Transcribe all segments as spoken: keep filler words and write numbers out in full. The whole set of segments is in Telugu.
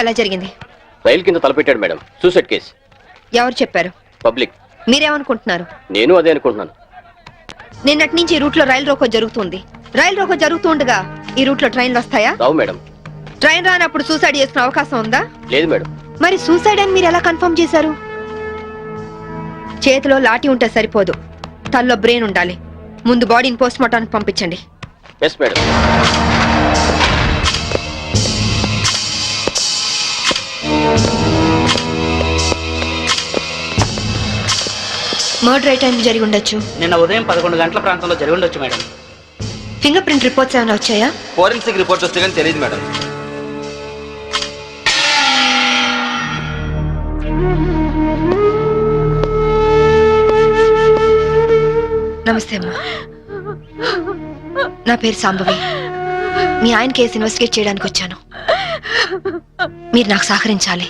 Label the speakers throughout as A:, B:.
A: ఎలా జరిగింది?
B: రైలు కింద తలపెట్టాడు మేడం. Suicide case.
A: ఎవరు చెప్పారు?
B: పబ్లిక్.
A: మీరేమనుకుంటున్నారు?
B: నేను అదే అనుకుంటున్నాను.
A: నిన్నటి నుంచి ఈ రూట్ లో రైలు రోకో జరుగుతుంది. రైలు రోకో జరుగుతూ ఉండగా ఈ రూట్ లో ట్రైన్లు వస్తాయా?
B: రావు మేడం.
A: ట్రైన్ రానప్పుడు సూసైడ్ చేసుకునే అవకాశం ఉందా?
B: లేదు మేడం.
A: మరి సూసైడ్ అని మీరు ఎలా కన్ఫర్మ్ చేశారు? చేతిలో లాఠీ ఉంటే సరిపోదు, తల్లో బ్రెయిన్ ఉండాలి. ముందు బాడీని పోస్ట్ మార్టానికి పంపించండి.
B: Yes madam.
A: మర్డర్ ఏ టైం జరిగి ఉండొచ్చు?
C: నిన్న ఉదయం పదకొండు గంటల ప్రాంతంలో జరిగి ఉండొచ్చు మేడం.
A: ఫింగర్ ప్రింట్ రిపోర్ట్స్ ఏమైనా వచ్చాయా?
D: ఫోరెన్సిక్ రిపోర్ట్ వస్తే కానీ తెలియదు మేడం.
A: నమస్తే అమ్మా, నా పేరు సాంబవి. మీ ఆయన కేసు ఇన్వెస్టిగేట్ చేయడానికి వచ్చాను. మీరు నాకు సహకరించాలి.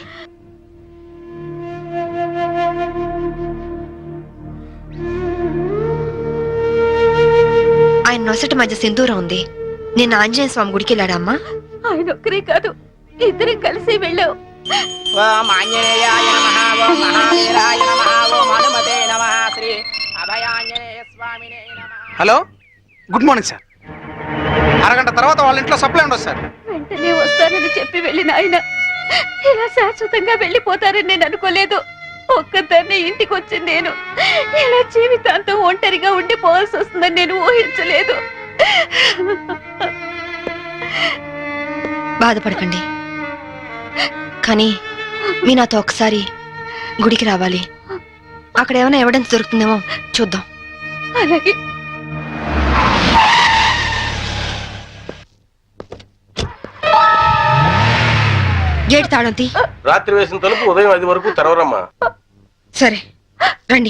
A: ఆయన నొసటి మధ్య సింధూరం ఉంది. నేను ఆంజనేయ స్వామి గుడికి వెళ్ళాడమ్మా.
E: ఆయన ఒక్కరే కాదు, ఇద్దరం కలిసి వెళ్ళావు.
C: ఓం ఆంజనేయాయ నమః, ఓం మహావీరాయ నమః, ఓం హనుమతే నమః, శ్రీ అభయాంజనేయ స్వామినే నమః.
F: Hello, good morning sir. అరగంట తర్వాత వాళ్ళ ఇంట్లో సప్లై ఉండదు సార్.
E: వెంటనే వస్తానని చెప్పి వెళ్ళిన ఆయన ఇలా శాశ్వతంగా వెళ్ళిపోతారని నేను అనుకోలేదు. ఒక్కదాన్ని ఇంటికి వచ్చింది నేను ఇలా జీవితాంతం ఒంటరిగా ఉండిపోవాల్సి వస్తుందని నేను ఊహించలేదు.
A: బాధపడకండి, కానీ మీ నాతో ఒకసారి గుడికి రావాలి. అక్కడ ఏమైనా ఎవిడెన్స్ దొరుకుతుందేమో చూద్దాం.
E: అలాగే.
A: గేట్ తాళం తీ.
D: రాత్రి వేసిన తలుపు ఉదయం ఐదు వరకు తెరవరమ్మా.
A: సరే రండి.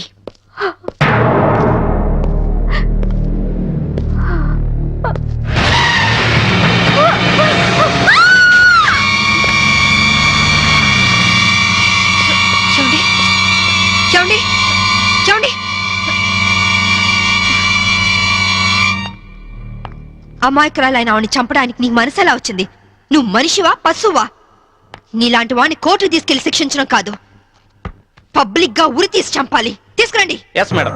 A: చూడండి చూడండి చూడండి. అమాయకురాలైన ఆవిని చంపడానికి నీకు మనసు ఎలా వచ్చింది? నువ్వు మనిషివా పశువా? నీలాంటి వాడిని కోర్టు తీసుకెళ్లి శిక్షించడం కాదు, పబ్లిక్ గా ఉరి తీసి చంపాలి. తీసుకురండి.
D: Yes madam.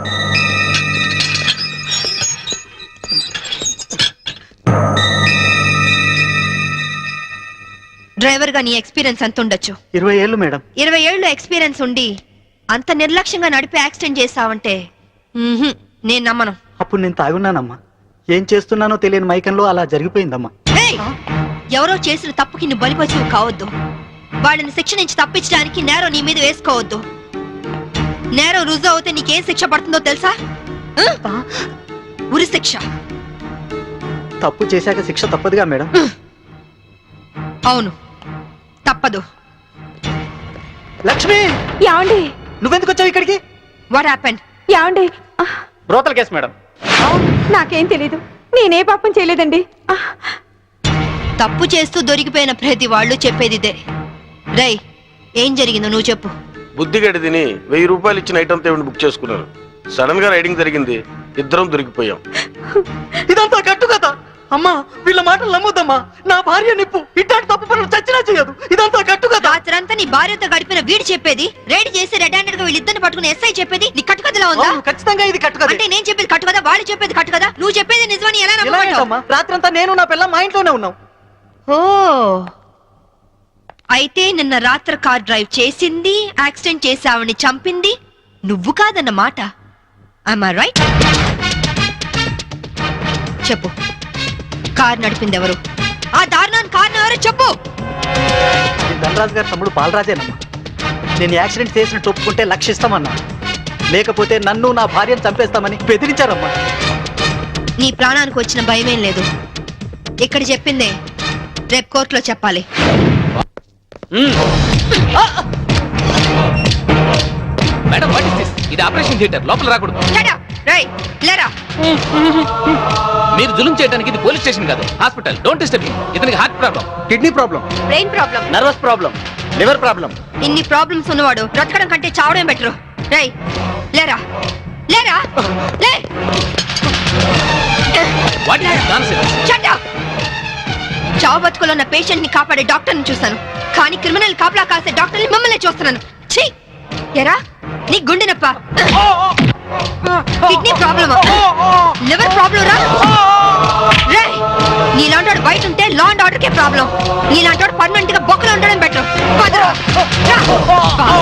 A: డ్రైవర్ గా నీ ఎక్స్పీరియన్స్ ఎంత ఉండొచ్చు?
C: ఇరవై ఏళ్ళు మేడం.
A: ఇరవై ఏళ్ళు ఎక్స్పీరియన్స్ ఉండి అంత నిర్లక్ష్యంగా నడిపి యాక్సిడెంట్ చేసావంటే మ్మ్హ్మ్, నేను నమ్మను.
C: అప్పుడు నేను తాగున్నానమ్మా. ఏం చేస్తున్నానో తెలియని మైకంలో అలా జరిగిపోయిందమ్మా.
A: ఏయ్! ఎవరో చేసిన తప్పుకి నువ్వు బలిపశువు కావద్దు. వాళ్ళని శిక్ష నుంచి తప్పించడానికి నేరం నీ మీద వేసుకోవద్దు. నేరం రుజువు అవుతే నీకేం శిక్ష పడుతుందో తెలుసా? ఆ? ఉరి శిక్ష.
C: తప్పు చేశాక శిక్ష తప్పదుగా మేడం.
A: అవును, తప్పదు.
C: లక్ష్మి,
E: యాండి
C: నువ్వెందుకు వచ్చావు ఇక్కడికి?
A: What happened?
E: యాండి
C: బ్రోతల్ కేసు మేడం.
E: నాకేం తెలీదు, నేనే పాపం చేయలేదండి.
A: తప్పు చేస్తూ దొరికిపోయిన ప్రతి వాళ్ళు చెప్పేది ఇదే. రై, ఏం జరిగిందో నువ్వు చెప్పు.
D: బుద్ధిగడి తిని వెయ్యి రూపాయలు ఇచ్చిన ఐటమ్ తేవిని బుక్ చేసుకున్నారు. సడన్ గా రైడింగ్ జరిగింది, ఇద్దరం దొరికిపోయాం.
C: ఇదంతా కట్టు కదా అమ్మా. వీళ్ళ మాటలు నమ్మొద్దమ్మా. నా భార్య నిప్పు ఇట్లాంటి తప్పు పనులు చచ్చినా చేయదు. ఇదంతా కట్టు కదా.
A: రాత్రంతా నీ భార్యతో గడిపిన వీడు చెప్పేది, రైడ్ చేసి రెడ్ హ్యాండెడ్ గా వీళ్ళిద్దరిని పట్టుకుని ఎస్ఐ చెప్పేది నీ కట్టు కథలా ఉందా?
C: ఖచ్చితంగా ఇది కట్టు కదా.
A: అంటే నేను చెప్పేది కట్టు కదా, వాళ్ళు చెప్పేది కట్టు కదా. నువ్వు చెప్పేది నిజమని ఎలా నమ్మమంటావు?
C: రాత్రంతా నేను నా పిల్ల మా ఇంట్లోనే ఉన్నాం.
A: ఓ, అయితే నిన్న రాత్రి కార్ డ్రైవ్ చేసింది, యాక్సిడెంట్ చేసావని చంపింది నువ్వు కాదన్న మాట. Am I right? చెప్పు, కార్ నడిపింది ఎవరు? ఆ దారుణాన్ని కారణం ఎవరో చెప్పు.
C: ధనరాజు గారు తమ్ముడు బాలరాజేనమ్మా. నేను యాక్సిడెంట్ చేసిన ఒప్పుకుంటే లక్షిస్తామన్నా, లేకపోతే నన్ను నా భార్యను చంపేస్తామని బెదిరించారమ్మా.
A: నీ ప్రాణానికి వచ్చిన భయమేం లేదు. ఇక్కడ చెప్పిందే రేపు కోర్టులో చెప్పాలి.
B: Madam, what is this? ఇది ఆపరేషన్ థియేటర్, లోపల రాకూడదు. మీరు జులుం చేయడానికి ఇది పోలీస్ స్టేషన్ కాదు, హాస్పిటల్. Don't disturb me. ఇతనికి heart problem,
C: kidney problem,
A: brain problem,
C: nervous problem, liver problem.
A: ఇన్ని ప్రాబ్లమ్స్ ఉన్నవాడు బ్రతకడం కంటే చావడం బెటరు. రై, లేరా లేరా లే.
B: What is this nonsense?
A: Shut up. చావు బతుకులో ఉన్న పేషెంట్ ని కాపాడే డాక్టర్ ని చూశాను. కానీ క్రిమినల్ కాపలా కాసే డాక్టర్ని మిమ్మల్ని చూస్తున్నాను. ఛీ! ఎరా నీ గుండె నొప్ప, కిడ్నీ ప్రాబ్లమా, లివర్ ప్రాబ్లం రా? రేయ్, నీలాంటి బయట ఉంటే లా అండ్ ఆర్డర్ కే ప్రాబ్లం. నీలాంటి పర్మనెంట్ గా బొక్కలో ఉండడం బెటర్. పదరా. రా.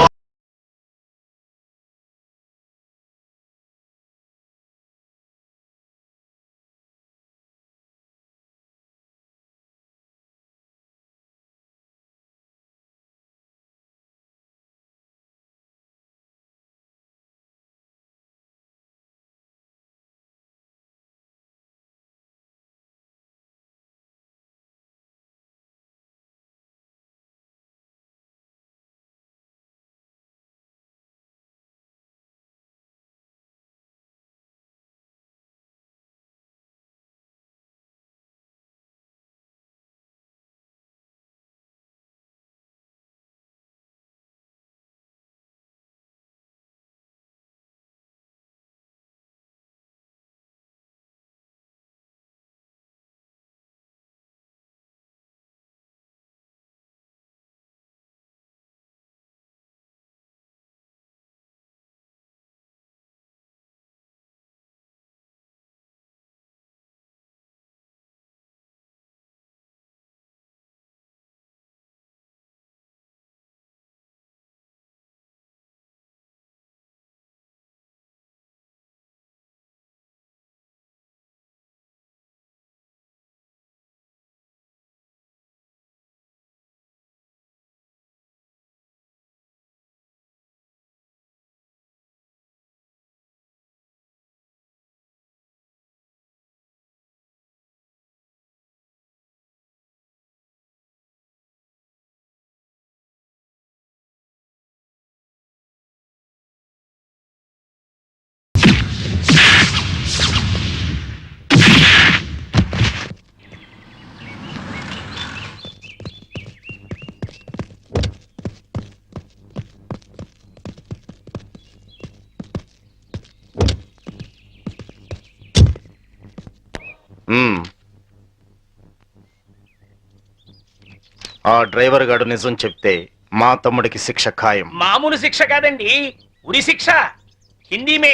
G: ఆ డ్రైవర్ గాడు నిజం చెప్తే మా తమ్ముడికి శిక్ష ఖాయం.
H: మామూలు శిక్ష కాదండి, ఉరి శిక్ష. హిందీ మే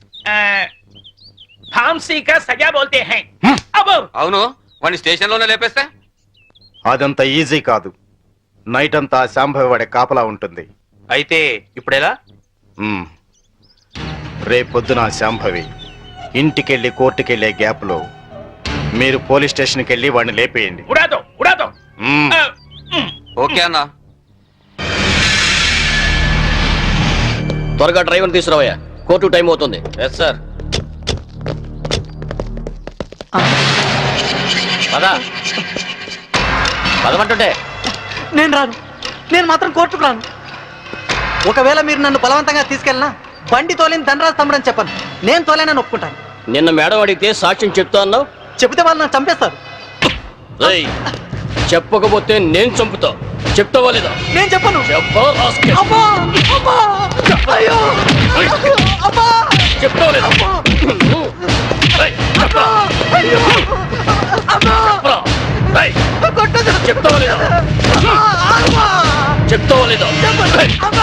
H: फांसी का सजा बोलते हैं. అబ్బో
B: అవును, వాడిని స్టేషన్ లోనే లేపేస్తే
G: అదంత ఈజీ కాదు. నైట్ అంతా శాంభవి వాడే కాపలా ఉంటుంది.
B: అయితే ఇప్పుడెలా?
G: మ్మ్. రేపొద్దున శాంభవి ఇంటికెళ్ళి కోర్టుకెళ్లే గ్యాప్ లో మీరు పోలీస్ స్టేషన్కి వెళ్ళి వాడిని లేపేయండి.
H: ఉడాదో ఉడాదో.
G: మ్మ్.
B: ఓకే అన్నా. త్వరగా డ్రైవర్ తీసుకురావయ్యా, కోర్టు టైం అవుతుంది. Yes sir. పదా పదమంటుంటే
C: నేను రాను, నేను మాత్రం కోర్టుకు రాను. ఒకవేళ మీరు నన్ను బలవంతంగా తీసుకెళ్ళినా బండి తోలేని ధనరాజు తమ్ముడని చెప్పను. నేను తోలేనని ఒప్పుకుంటాను.
B: నిన్న మేడం అడిగితే సాక్ష్యం చెప్తా అన్నావు.
C: చెబితే వాళ్ళు నన్ను చంపేస్తారు.
B: ఏయ్, చెప్పకపోతే నేను చంపుతా. చెప్తావా లేదా?
C: నేను చెప్పను.
B: చెప్పా రాస్కెల్.
C: అబ్బా! అబ్బా! అయ్యో! అబ్బా!
B: చెప్తావా లేదా? ఏయ్, చెప్పరా?
C: అయ్యో! అబ్బా!
B: చెప్పరా? ఏయ్,
C: కొట్టొద్దు.
B: చెప్తావా లేదా?
C: అబ్బా!
B: చెప్తావా లేదా? ఏయ్.
C: అబ్బా!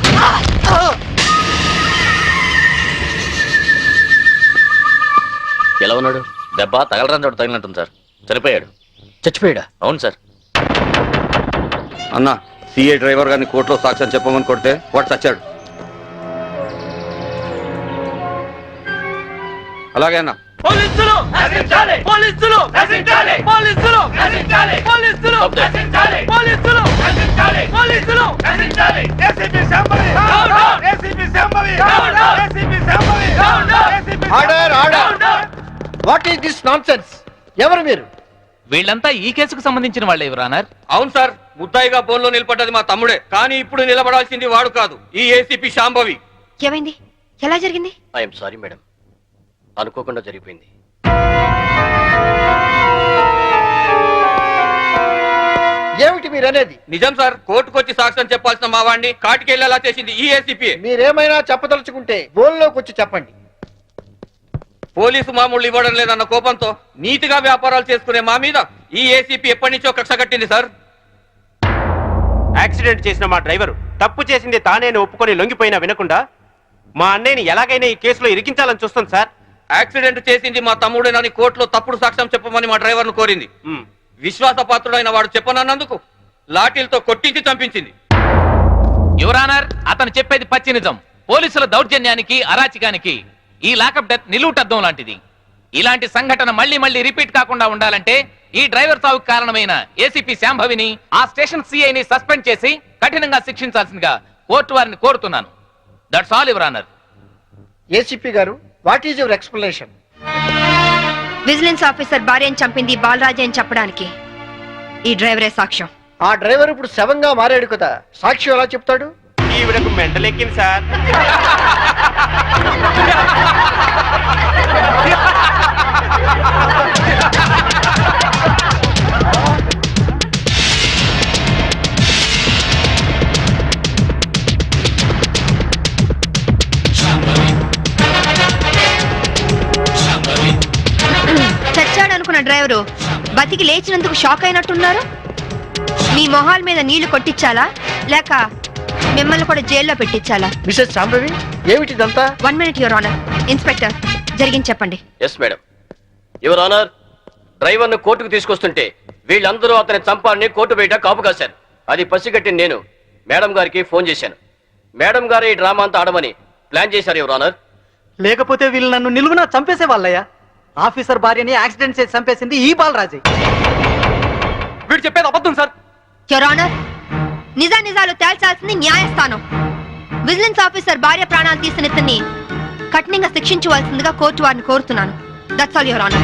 B: ఎలా ఉన్నాడు? దెబ్బ తగలరాని చోట తగిలినట్టుంది సార్. చనిపోయాడు. చచ్చిపోయాడా? అవును సార్.
I: అన్నా, సిఐ డ్రైవర్ గారిని కోర్టులో సాక్ష్యం చెప్పమని కొడితే వాడు చచ్చాడు. అలాగే అన్నా.
H: పోలీసులు నశించాలి, పోలీసులు నశించాలి, పోలీసులు నశించాలి, పోలీసులు నశించాలి, పోలీసులు నశించాలి, పోలీసులు నశించాలి. ACP Shambhavi down down, ACP Shambhavi down down, ACP Shambhavi down down, ACP order order. What is this nonsense? ఎవరు మీరు?
B: వీళ్ళంతా ఈ కేసుకు సంబంధించిన వాళ్ళే యువరానర్.
I: అవును సార్, ముద్దాయిగా బోన్లో నిలబడ్డది మా తమ్ముడే. కానీ ఇప్పుడు నిలబడాల్సింది వాడు కాదు, ఈ ఏసీపీ శాంభవి.
A: ఏమైంది? ఎలా జరిగింది?
B: ఐఎమ్ సారీ మేడం, అనుకోకుండా జరిగిపోయింది.
H: ఏమిటి మీరు అనేది?
I: నిజం సార్, కోర్టుకొచ్చి సాక్ష్యం చెప్పాల్సిన మా వాడిని కాటికెళ్ళేలా చేసింది ఈ ఏసీపీ.
H: మీరేమైనా చెప్పదలుచుకుంటే బోన్లోకి వచ్చి చెప్పండి.
I: పోలీసు మామూలు ఇవ్వడం లేదన్న కోపంతో నీతిగా వ్యాపారాలు చేసుకునే మా మీద ఈ ఏసీపీ ఎప్పటి నుంచో కక్ష కట్టింది సార్.
J: యాక్సిడెంట్ చేసిన మా డ్రైవర్ తప్పు చేసింది తానేని ఒప్పుకొని లొంగిపోయినా వినకుండా మా అన్నయ్యని ఎలాగైనా ఈ కేసులో ఇరికించాలని చూస్తుంది సార్.
I: యాక్సిడెంట్ చేసింది మా తమ్ముడేనని కోర్టులో తప్పుడు సాక్ష్యం చెప్పమని మా డ్రైవర్ను కోరింది.
J: మ్.
I: విశ్వాసపాత్రుడైన వాడు చెప్పనన్నందుకు లాఠీలతో కొట్టించి చంపించింది.
B: యువరానర్, అతను చెప్పేది పచ్చి నిజం. పోలీసుల దౌర్జన్యానికి అరాచకానికి ఈ లాకప్ డెత్ నిలువుటద్దం లాంటిది. ఇలాంటి సంఘటన మళ్ళీ మళ్ళీ రిపీట్ కాకుండా ఉండాలంటే ఈ డ్రైవర్ సావుకు కారణమైన ఏసీపీ శాంభవిని ఆ స్టేషన్ సిఐని సస్పెండ్ చేసి కఠినంగా శిక్షించాల్సిందిగా కోర్టు వారిని కోరుతున్నాను. That's all your honour.
K: ఏసీపీ గారు, what is your explanation?
A: Vigilance officer భార్యను చంపింది బాలరాజే అని చెప్పడానికి ఈ డ్రైవరే సాక్ష్యం.
K: ఆ డ్రైవర్ ఇప్పుడు శవంగా మారాడు కదా, సాక్షి ఎలా చెప్తాడు?
J: ఈవిడకు మెంటలెక్కింది సార్.
A: చచ్చాడనుకున్న డ్రైవరు బతికి లేచినందుకు షాక్ అయినట్టున్నారు. మీ మొహాల మీద నీళ్లు కొట్టించాలా లేక మిమ్మల్ని కూడా జైల్లో పెట్టించాలా?
K: మిసెస్ శాంభవి, ఏమిటిదంతా?
A: One minute your honour. Inspector, జరిగింది చెప్పండి.
I: Yes madam. Your honour, driver ను కోర్టుకు తీసుకొస్తుంటే వీళ్ళందరూ అతని చంపాలని కోర్టు బయట కాపు కాశారు. అది పసిగట్టి నేను మేడం గారికి ఫోన్ చేశాను. మేడం గారు ఈ డ్రామా అంతా ఆడమని ప్లాన్ చేశారు యువర్ ఆనర్.
C: లేకపోతే వీళ్ళు నన్ను నిలువునా చంపేసే వాళ్ళయ్యా. ఆఫీసర్ భార్యని యాక్సిడెంట్ చేసి చంపేసింది ఈ బాలరాజే.
I: వీడు చెప్పేది అబద్ధం సార్.
A: యువర్ ఆనర్, నిజా నిజాలు తేల్చాల్సింది న్యాయస్థానం. విజిలెన్స్ ఆఫీసర్ భార్య ప్రాణాలు తీసిన ఇతన్ని కఠినంగా శిక్షించవలసిందిగా కోర్టు వారిని కోరుతున్నాను. That's all your honour.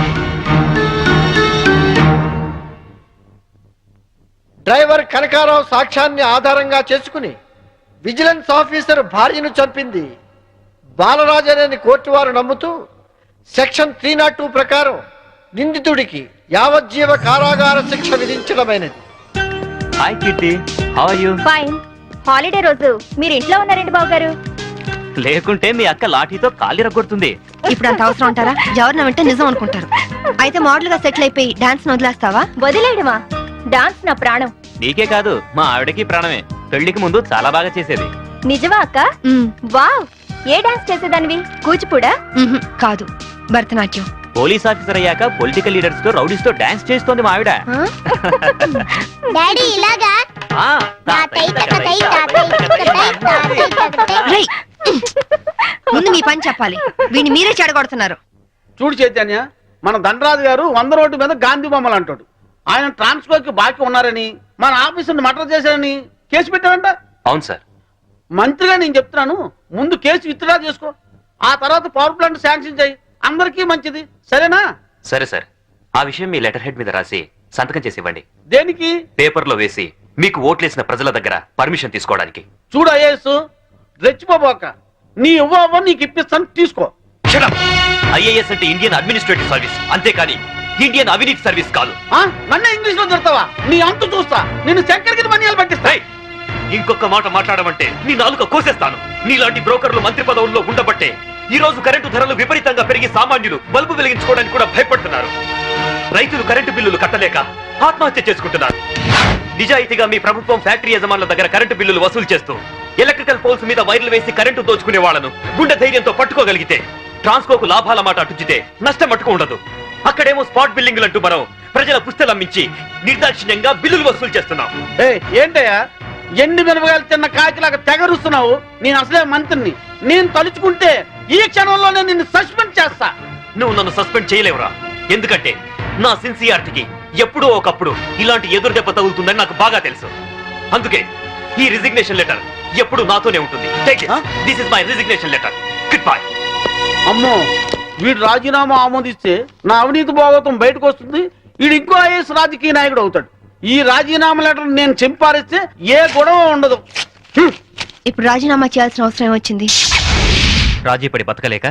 K: Driver Kanakarao సాక్ష్యాన్ని ఆధారంగా చేసుకుని విజిలెన్స్ ఆఫీసర్ భార్యను చంపింది బాలరాజనేని కోర్టు వారు నమ్ముతూ సెక్షన్ త్రీ నాట్ టూ ప్రకారం నిందితుడికి యావజ్జీవ కారాగార శిక్ష విధించడమైనది.
C: Hi Kitty, how are you?
E: Fine. Holiday రోజు మీరు ఇంట్లో ఉన్నారండి బాబు గారు.
C: లేకుంటే మీ అక్క లాఠీతో కాలి రగొడుతుంది.
A: ఇప్పుడు అంత అవసరం అంటారా? ఎవరిన వింటే నిజం అనుకుంటారు. అయితే మోడల్ గా సెటిల్ అయిపోయి డాన్స్ వదిలేస్తావా?
E: వదిలేయడమా? డాన్స్ నా ప్రాణం.
C: నీకే కాదు, మా ఆవిడకి ప్రాణమే. పెళ్లికి ముందు చాలా బాగా చేసేది.
E: నిజమా అక్క?
A: మ్మ్.
E: వావ్, ఏ డాన్స్ చేసేదానివి? కూచిపూడా?
A: మ్మ్హ్. కాదు, భరతనాట్యం.
C: పోలీస్ ఆఫీసర్ అయ్యాక పొలిటికల్ లీడర్స్ తో రౌడీస్ తో డాన్స్ చేస్తోంది మా ఆవిడ.
A: ఆ?
E: డాడీ ఇలాగా?
C: ఆ,
A: రేయ్! ముందు మీ పని చెప్పాలి. వీడిని మీరే చెడగొడుతున్నారు.
F: చూడు చైతన్య, మన ధనరాజు గారు వంద రోడ్డు మీద గాంధీ బొమ్మలు అంటాడు. ఆయన ట్రాన్స్ఫర్ కి బాకీ ఉన్నారని, మన ఆఫీసుని మర్డర్ చేశారని కేసు పెట్టారంట.
B: అవును సార్.
F: మంత్రిగా నేను చెప్తున్నాను, ముందు కేసు విత్డ్రా చేసుకో, ఆ తర్వాత పవర్ ప్లాంట్ శాంక్షన్ చేయి. అందరికీ మంచిది, సరేనా?
B: సరే సార్. ఆ విషయం మీ లెటర్ హెడ్ మీద రాసి సంతకం చేసి ఇవ్వండి.
F: దేనికి?
B: పేపర్ లో వేసి మీకు ఓట్లేసిన ప్రజల దగ్గర పర్మిషన్ తీసుకోవడానికి.
F: చూడు ఐఏఎస్, రెచ్చిపోబోక. నీ ఇవ్వ నీకు ఇప్పిస్తాను, తీసుకో.
B: ఐఏఎస్ అంటే ఇండియన్ అడ్మినిస్ట్రేటివ్ సర్వీస్, అంతేకాని ఇండియన్ అవినీతి సర్వీస్ కాదు.
F: ఆ? నన్నే ఇంగ్లీష్ లో దొరుకుతావా? నీ అంతు చూస్తా. నిన్ను చక్కెరకి మనియాలు పట్టిస్తా.
B: రేయ్! ఇంకొక మాట మాట్లాడమంటే నీ నాలుక కోసేస్తాను. నీలాంటి బ్రోకర్లు మంత్రి పదవుల్లో ఉండబట్టే ఈ రోజు కరెంటు ధరలు విపరీతంగా పెరిగి సామాన్యులు బల్బు వెలిగించుకోవడానికి కూడా భయపడుతున్నారు. రైతులు కరెంటు బిల్లులు కట్టలేక ఆత్మహత్య చేసుకుంటున్నారు. నిజాయితీగా మీ ప్రభుత్వం ఫ్యాక్టరీ యజమానుల దగ్గర కరెంటు బిల్లులు వసూలు చేస్తూ ఎలక్ట్రికల్ పోల్స్ మీద వైర్లు వేసి కరెంటు దోచుకునే వాళ్లను గుండె ధైర్యంతో పట్టుకోగలిగితే ట్రాన్స్కోకు లాభాల మాట అటుచితే నష్టం మట్టుకు ఉండదు. అక్కడేమో స్పాట్ బిల్లింగ్లు అంటూ మనం ప్రజల పుస్తలమ్మించి నిర్దాక్షిణ్యంగా బిల్లులు వసూలు చేస్తున్నాం.
F: ఏయ్, ఏంటయ్యా ఎండి మినపగాయలు తిన్న కాకిలాగా తెగరుస్తున్నావు? నేను అసలే మంత్రిని. నేను తలుచుకుంటే ఈ క్షణంలోనే నిన్ను సస్పెండ్ చేస్తా.
B: నువ్వు నన్ను సస్పెండ్ చేయలేవురా. ఎందుకంటే నా సిన్సియారిటీకి ఎప్పుడో ఒకప్పుడు ఇలాంటి ఎదురు దెబ్బ తగులుతుందని నాకు బాగా తెలుసు. అందుకే ఈ రిజిగ్నేషన్ లెటర్ ఎప్పుడు నాతోనే ఉంటుంది. This is my resignation letter. Good bye.
F: అమ్మో, వీడు రాజీనామా ఆమోదిస్తే నా అవినీతి భాగవతం బయటకు వస్తుంది. వీడు ఇంకో ఐఎస్ రాజకీయ నాయకుడు అవుతాడు. ఈ రాజీనామా లెటర్ నేను చింపారిస్తే ఏ గొడవ ఉండదు.
A: ఇప్పుడు రాజీనామా చేయాల్సిన అవసరం ఏమొచ్చింది?
B: రాజీ పడి బతకలేక?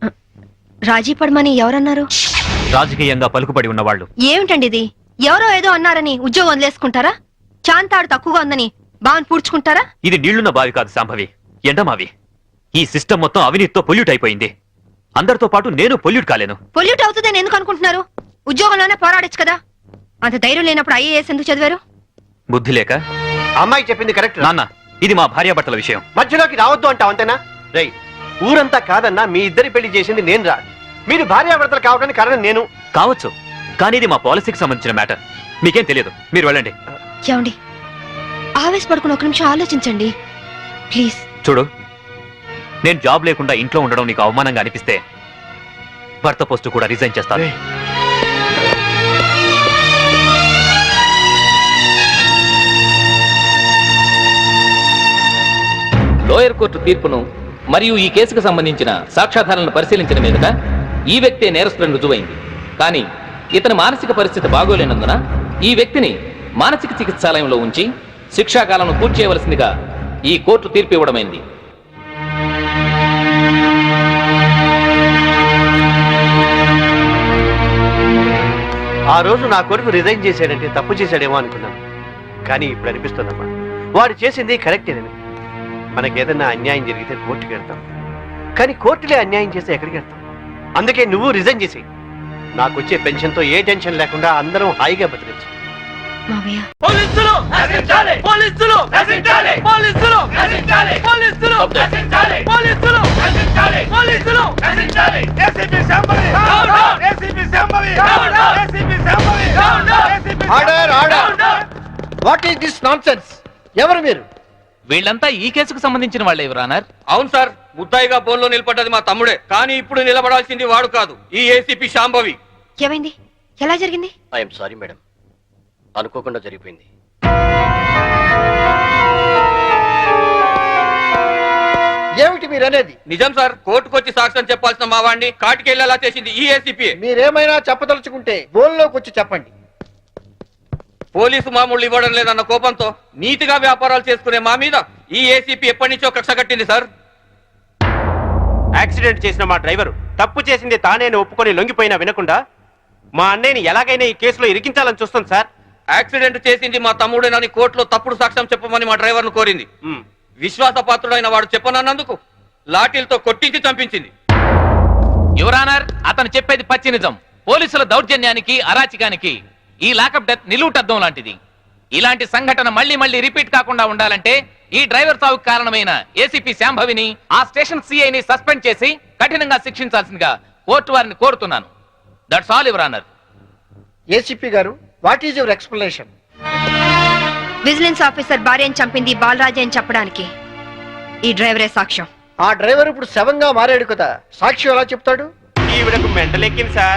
A: రాజీ పడమని ఎవరన్నారు?
B: రాజకీయంగా పలుకుబడి ఉన్నవాళ్ళు.
A: ఏమిటండి ఇది? ఎవరో ఏదో అన్నారని ఉద్యోగం వదిలేసుకుంటారా? చాంతాడు తక్కువగా ఉందని బావని పూడ్చుకుంటారా?
B: ఇది నీళ్లున్న బావి కాదు సాంభవి, ఎండమావి. ఈ సిస్టమ్ మొత్తం అవినీతితో పొల్యూట్ అయిపోయింది. అందరితో పాటు నేను పొల్యూట్ కాలేను.
A: పొల్యూట్ అవుతుందని ఎందుకు అనుకుంటున్నారు? ఉద్యోగంలోనే పోరాడొచ్చు కదా. అంత ధైర్యం లేనప్పుడు ఐఏఎస్ ఎందుకు చదివారు?
B: బుద్ధి లేక
H: అమ్మాయి చెప్పింది కరెక్ట్.
B: నాన్న ఇది మా భార్యాభర్తల విషయం.
H: మధ్యలోకి రావద్దు అంటావు అంతేనా? రై, ఊరంతా కాదన్నా మీ ఇద్దరి పెళ్లి చేసింది నేను రా. మీరు భార్యాభర్తలు కావడానికి కారణం నేను
B: కావచ్చు, కానీ ఇది మా పాలసీకి సంబంధించిన మ్యాటర్. మీకేం తెలియదు, మీరు వెళ్ళండి.
A: ఏమండి, ఆవేశపడుకుని ఒక నిమిషం ఆలోచించండి ప్లీజ్.
B: చూడు, నేను జాబ్ లేకుండా ఇంట్లో ఉండడం నీకు అవమానంగా అనిపిస్తే భర్త పోస్టు కూడా రిజైన్ చేస్తాను.
L: లోయర్ కోర్టు తీర్పును మరియు ఈ కేసుకు సంబంధించిన సాక్ష్యాధారాలను పరిశీలించిన మీదట ఈ వ్యక్తే నేరస్తులను రుజువైంది. కానీ ఇతని మానసిక పరిస్థితి బాగోలేనందున ఈ వ్యక్తిని మానసిక చికిత్సాలయంలో ఉంచి శిక్షాకాలను పూర్తి చేయవలసిందిగా ఈ కోర్టు తీర్పు ఇవ్వడమైంది.
H: ఆ రోజు నా కొడుకు రిజైన్ చేశాడంటే తప్పు చేశాడేమో అనుకున్నాను. కానీ ఇప్పుడు అనిపిస్తుందమ్మా, వాడు చేసింది కరెక్టేనని. మనకేదన్నా అన్యాయం జరిగితే కోర్టుకి వెళ్తాం, కానీ కోర్టులే అన్యాయం చేస్తే ఎక్కడికి వెళ్తాం? అందుకే నువ్వు రిజైన్ చేసేయి. నాకు వచ్చే పెన్షన్తో ఏ టెన్షన్ లేకుండా అందరం హాయిగా బతికించు.
A: మావయ్య,
H: పోలీసులు నశించాలి! పోలీసులు నశించాలి! పోలీసులు నశించాలి! పోలీసులు నశించాలి! పోలీసులు నశించాలి! పోలీసులు నశించాలి! ACP Shambhavi down down! ACP Shambhavi down down! ACP Shambhavi down down! ACP order order! What is this nonsense? ఎవరు మీరు?
L: వీళ్ళంతా ఈ కేసుకు సంబంధించిన వాళ్ళే యువరానర్.
I: అవును సార్, ముద్దాయిగా బోన్లో నిలబడ్డది మా తమ్ముడే, కానీ ఇప్పుడు నిలబడాల్సింది వాడు కాదు, ఈ ఏసీపీ శాంభవి.
A: ఏమైంది? ఎలా జరిగింది?
I: ఐఎమ్ సారీ మేడం, అనుకోకుండా జరిగిపోయింది.
K: ఏమిటి మీరు అనేది?
I: నిజం సార్, కోర్టుకు వచ్చి సాక్ష్యం చెప్పాల్సిన మా వాడిని కాటికెళ్ళేలా చేసింది ఈ ఏసీపీ.
K: మీరేమైనా చెప్పదలుచుకుంటే బోల్లోకి వచ్చి చెప్పండి.
I: పోలీసు మామూలు ఇవ్వడం లేదన్న కోపంతో నీతిగా వ్యాపారాలు చేసుకునే మా మీద ఈ ఏసీపీ ఎప్పటి నుంచో కక్ష కట్టింది సార్.
J: యాక్సిడెంట్ చేసిన మా డ్రైవర్ తప్పు చేసింది తానేని ఒప్పుకొని లొంగిపోయినా వినకుండా మా అన్నయ్యని ఎలాగైనా ఈ కేసులో ఇరికించాలని చూస్తాం సార్.
I: యాక్సిడెంట్ చేసింది మా తమ్ముడేనని కోర్టులో తప్పుడు సాక్ష్యం చెప్పమని మా డ్రైవర్ ను కోరింది. విశ్వాసపాత్రుడైన వాడు చెప్పనన్నందుకు లాఠీలతో కొట్టించి చంపించింది.
L: యువరానర్, అతను చెప్పేది పచ్చి నిజం. పోలీసుల దౌర్జన్యానికి అరాచకానికి ఈ లాకప్ డెత్ నిలువుటద్దం లాంటిది. ఇలాంటి సంఘటన మళ్లీ మళ్లీ రిపీట్ కాకుండా ఉండాలంటే ఈ డ్రైవర్ సావుకు కారణమైన ఏసీపీ శాంభవిని, ఆ స్టేషన్ సిఐని సస్పెండ్ చేసి కఠినంగా శిక్షించాల్సిందిగా కోర్టు వారిని కోరుతున్నాను. That's all your honour.
K: ACP గారు, what is your explanation?
A: Vigilance officer భార్యను చంపింది బాలరాజే అని చెప్పడానికి ఈ డ్రైవరే సాక్ష్యం.
K: ఆ డ్రైవర్ ఇప్పుడు శవంగా మారాడు కదా, సాక్షి ఎలా చెప్తాడు?
J: ఈవిడకు మెంటలెక్కింది సార్.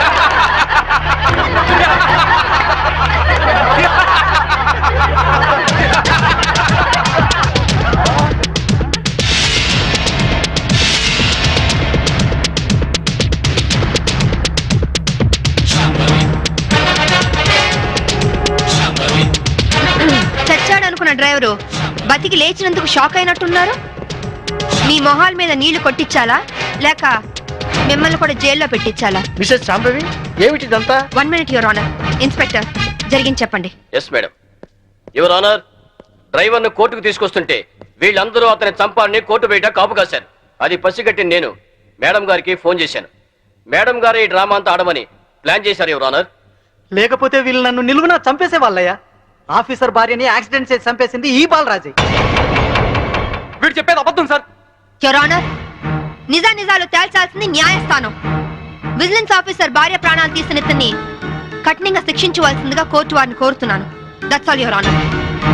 A: చచ్చాడు అనుకున్న డ్రైవరు బతికి లేచినందుకు షాక్ అయినట్టున్నారు. మీ మొహాల మీద నీళ్లు కొట్టించాలా లేక మిమ్మల్ని కూడా జైల్లో పెట్టించాలా?
K: మిసెస్ శాంభవి, ఏమిటిదంతా?
A: One minute your honour. Inspector, జరిగింది చెప్పండి.
I: Yes madam. Your honour, driver ను కోర్టుకు తీసుకొస్తుంటే వీళ్ళందరూ అతని చంపాలని కోర్టు బయట కాపు కాశారు. అది పసిగట్టి నేను మేడం గారికి ఫోన్ చేశాను. మేడం గారు ఈ డ్రామా అంతా ఆడమని ప్లాన్ చేశారు యువర్ ఆనర్.
C: లేకపోతే వీళ్ళు నన్ను నిలువున చంపేసే వాళ్ళయ్యా. ఆఫీసర్ భార్యని యాక్సిడెంట్ చేసి చంపేసింది ఈ బాలరాజే.
I: వీడు చెప్పేది అబద్ధం సార్.
A: యువర్ ఆనర్, నిజా నిజాలు తేల్చాల్సింది న్యాయస్థానం. విజిలెన్స్ ఆఫీసర్ భార్య ప్రాణాలు తీసిన ఇతన్ని కఠినంగా శిక్షించవలసిందిగా కోర్టు వారిని కోరుతున్నాను. That's all your honour.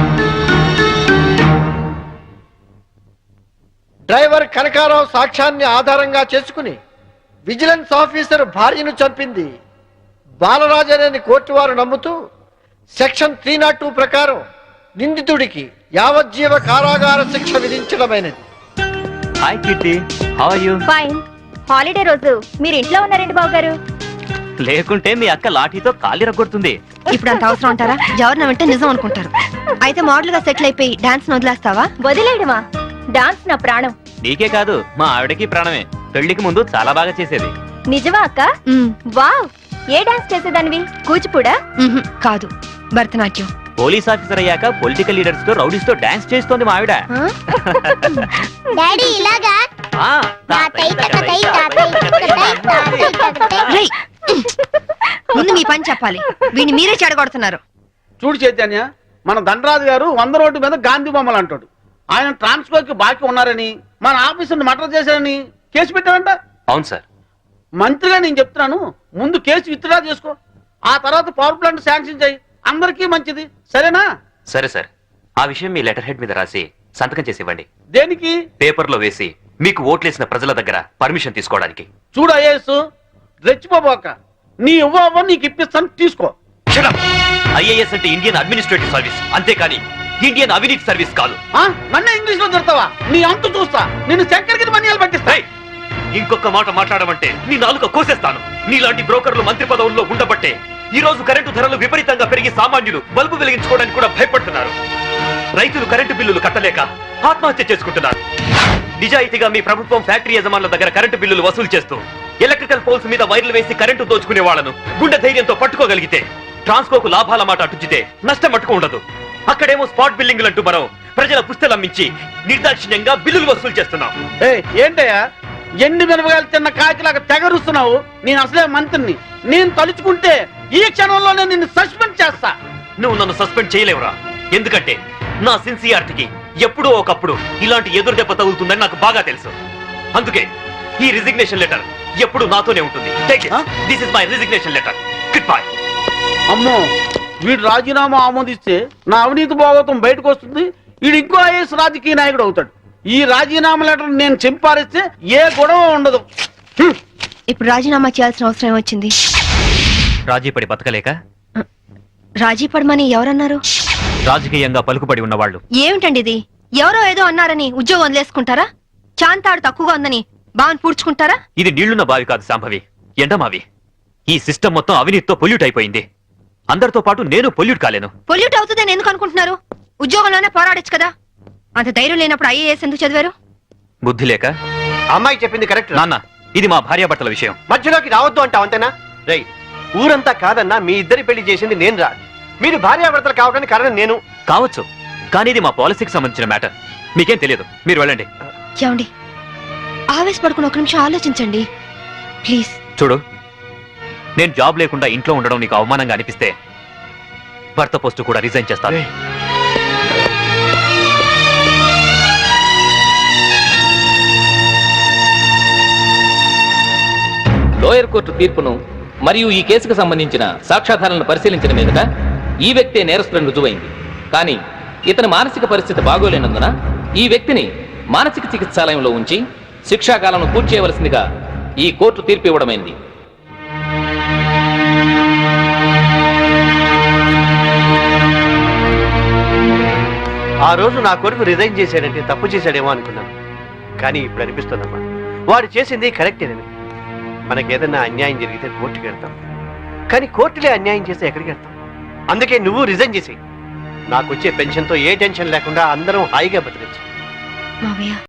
K: Driver Kanakarao సాక్ష్యాన్ని ఆధారంగా చేసుకుని విజిలెన్స్ ఆఫీసర్ భార్యను చంపింది బాలరాజనేని కోర్టు వారు నమ్ముతూ సెక్షన్ త్రీ నాట్ టూ ప్రకారం నిందితుడికి యావజ్జీవ కారాగార శిక్ష విధించడమైనది.
B: Hi Kitty, how are you?
E: Fine. Holiday రోజు మీరు ఇంట్లో ఉన్నారండి బాబు గారు.
B: లేకుంటే మీ అక్క లాఠీతో కాలి రగొడుతుంది.
A: ఇప్పుడు అంత అవసరం అంటారా? ఎవరిన వింటే నిజం అనుకుంటారు. అయితే మోడల్ గా సెటిల్ అయిపోయి డాన్స్ వదిలేస్తావా?
E: వదిలేయడమా? డాన్స్ నా ప్రాణం.
B: నీకే కాదు, మా ఆవిడకి ప్రాణమే. పెళ్లికి ముందు చాలా బాగా చేసేది.
E: నిజమా అక్క? వావ్, ఏ డాన్స్ చేసేదానివి? కూచిపూడా?
A: కాదు, భరతనాట్యం.
B: పోలీస్ ఆఫీసర్ అయ్యాక పొలిటికల్ లీడర్స్ తో రౌడీస్ తో డాన్స్ చేస్తోంది మా ఆవిడ.
E: డాడీ ఇలాగా?
B: ఆ,
A: రేయ్, ముందు మీ పని చెప్పాలి. వీడిని మీరే చెడగొడుతున్నారు.
F: చూడు చైతన్య, మన ధనరాజు గారు వంద రోడ్డు మీద గాంధీ బొమ్మలు అంటాడు. ఆయన ట్రాన్స్ఫర్ కి బాకీ ఉన్నారని మన ఆఫీసుని మర్డర్ చేశారని కేసు పెట్టారంట.
B: అవును సార్.
F: మంత్రిగా నేను చెప్తున్నాను, ముందు కేసు విత్డ్రా చేసుకో, ఆ తర్వాత పవర్ ప్లాంట్ శాంక్షన్ చేయి, అందరికీ మంచిది, సరేనా?
B: సరే సార్, ఆ విషయం మీ లెటర్ హెడ్ మీద రాసి సంతకం చేసి ఇవ్వండి.
F: దేనికి?
B: పేపర్లో వేసి మీకు ఓట్లేసిన ప్రజల దగ్గర పర్మిషన్ తీసుకోవడానికి.
F: చూడు ఐఏఎస్, రెచ్చిపోబోక, నీ ఇవ్వ నీకు ఇప్పిస్తాను, తీసుకో.
B: ఐఏఎస్ అంటే ఇండియన్ అడ్మినిస్ట్రేటివ్ సర్వీస్, అంతేకాని ఇండియన్ అవినీతి సర్వీస్ కాదు.
F: నన్ను ఇంగ్లీష్ లో తిడతావా? నీ అంతు చూస్తా, నిన్ను చక్కెరకి మన్యాలు పట్టిస్తా.
B: ఇంకొక మాట మాట్లాడమంటే నీ నాలుక కోసేస్తాను. నీలాంటి బ్రోకర్లు మంత్రి పదవుల్లో ఉండబట్టే ఈ రోజు కరెంటు ధరలు విపరీతంగా పెరిగి సామాన్యులు బల్బు వెలిగించుకోవడానికి కూడా భయపడుతున్నారు. రైతులు కరెంటు బిల్లులు కట్టలేక ఆత్మహత్య చేసుకుంటున్నారు. నిజాయితీగా మీ ప్రభుత్వం ఫ్యాక్టరీ యజమానుల దగ్గర కరెంటు బిల్లులు వసూలు చేస్తూ ఎలక్ట్రికల్ పోల్స్ మీద వైర్లు వేసి కరెంటు దోచుకునే వాళ్లను గుండె ధైర్యంతో పట్టుకోగలిగితే ట్రాన్స్కోకు లాభాల మాట అటుచితే నష్టం మట్టుకు ఉండదు. అక్కడేమో స్పాట్ బిల్లింగ్లు అంటూ మనం ప్రజల పుస్తలమ్మించి నిర్దాక్షిణ్యంగా బిల్లులు వసూలు చేస్తున్నాం.
F: ఏంటయ్యా ఎండి మిరపకాయలు తిన్న కాకిలాగా తెగరుస్తున్నావు? నేను అసలే మంత్రిని, నేను తలుచుకుంటే ఈ క్షణంలోనే నిన్ను సస్పెండ్ చేస్తా.
B: నువ్వు నన్ను సస్పెండ్ చేయలేవురా, ఎందుకంటే నా సిన్సియారిటీకి ఎప్పుడో ఒకప్పుడు ఇలాంటి ఎదురు దెబ్బ తగులుతుందని నాకు బాగా తెలుసు. అందుకే ఈ రిజిగ్నేషన్ లెటర్ ఎప్పుడు నాతోనే ఉంటుంది. This is my resignation letter. Good bye.
F: అమ్మో, వీడు రాజీనామా ఆమోదిస్తే నా అవినీతి భాగవతం బయటకు వస్తుంది, వీడు ఇంకో ఐఎస్ రాజకీయ నాయకుడు అవుతాడు. ఈ రాజీనామా లెటర్ నేను చింపారిస్తే ఏ గొడవ ఉండదు.
A: ఇప్పుడు రాజీనామా చేయాల్సిన అవసరం ఏమొచ్చింది?
B: రాజీపడి బతకలేక?
A: రాజీ పడమని ఎవరన్నారు?
B: రాజకీయంగా పలుకుబడి ఉన్నవాళ్ళు.
A: ఏమిటండి ఇది? ఎవరో ఏదో అన్నారని ఉద్యోగం వదిలేసుకుంటారా? చాంతాడు తక్కువగా ఉందని బావని పూడ్చుకుంటారా?
B: ఇది నీళ్లున్న బావి కాదు శాంభవి, ఎండమావి. ఈ సిస్టమ్ మొత్తం అవినీతితో పొల్యూట్ అయిపోయింది. అందరితో పాటు నేను పొల్యూట్ కాలేను.
A: పొల్యూట్ అవుతుందని ఎందుకు అనుకుంటున్నారు? ఉద్యోగంలోనే పోరాడొచ్చు కదా. అంత ధైర్యం లేనప్పుడు ఐఏఎస్ ఎందుకు చదివారు?
B: బుద్ధి లేక.
C: అమ్మాయి చెప్పింది కరెక్ట్
B: నాన్న, ఇది మా భార్యాభర్తల విషయం.
C: మధ్యలోకి రావద్దు అంటావు, అంతేనా? రై, ఊరంతా కాదన్నా మీ ఇద్దరి పెళ్లి చేసింది నేను రా. మీరు భార్యాభర్తలు కావడానికి కారణం నేను
B: కావచ్చు, కానీ ఇది మా పాలసీకి సంబంధించిన మ్యాటర్. మీకేం తెలియదు, మీరు వెళ్ళండి.
A: ఏమండి, ఆవేశపడుకుని ఒక నిమిషం ఆలోచించండి ప్లీజ్.
B: చూడు, నేను జాబ్ లేకుండా ఇంట్లో ఉండడం నీకు అవమానంగా అనిపిస్తే భర్త పోస్టు కూడా రిజైన్ చేస్తాను.
L: లోయర్ కోర్టు తీర్పును మరియు ఈ కేసుకు సంబంధించిన సాక్ష్యాధారాలను పరిశీలించిన మీదట ఈ వ్యక్తే నేరస్తులను రుజువైంది. కానీ ఇతని మానసిక పరిస్థితి బాగోలేనందున ఈ వ్యక్తిని మానసిక చికిత్సాలయంలో ఉంచి శిక్షాకాలను పూర్తి చేయవలసిందిగా ఈ కోర్టు తీర్పు ఇవ్వడమైంది.
C: ఆ రోజు నా కొడుకు రిజైన్ చేశాడంటే తప్పు చేశాడేమో అనుకున్నాను, కానీ ఇప్పుడు అనిపిస్తుందమ్మా వాడు చేసింది కరెక్టేనని. మనకేదన్నా అన్యాయం జరిగితే కోర్టుకి వెళ్తాం, కానీ కోర్టులే అన్యాయం చేస్తే ఎక్కడికి వెళ్తాం? అందుకే నువ్వు రిజైన్ చేసి నాకు వచ్చే పెన్షన్తో ఏ టెన్షన్ లేకుండా అందరం హాయిగా బతకచ్చు.
A: మావయ్య